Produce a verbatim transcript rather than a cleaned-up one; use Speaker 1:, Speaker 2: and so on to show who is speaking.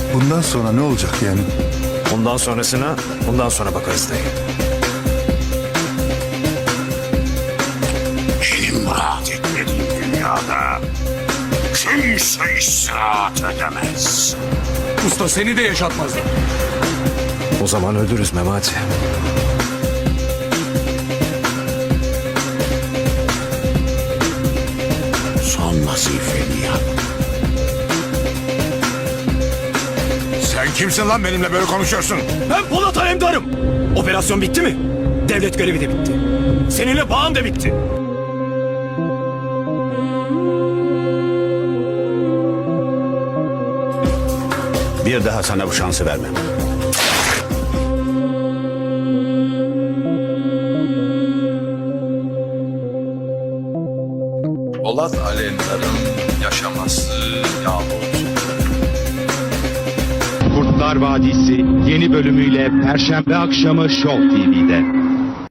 Speaker 1: Bundan sonra ne olacak yani?
Speaker 2: Bundan sonrasına bundan sonra bakarız dayı.
Speaker 3: Benim rahat etmediğim dünyada kimse istirahat edemez.
Speaker 4: Usta seni de yaşatmazlar.
Speaker 2: O zaman öldürürüz Memati.
Speaker 3: Son vazifeni yap.
Speaker 4: Sen kimsin lan benimle böyle konuşuyorsun?
Speaker 5: Ben Polat Alemdar'ım. Operasyon bitti mi? Devlet görevi de bitti. Seninle bağım da bitti.
Speaker 3: Bir daha sana bu şansı vermem.
Speaker 6: Polat Alemdar'ın yaşaması yahut
Speaker 7: Kurtlar Vadisi yeni bölümüyle Perşembe akşamı Show T V'de.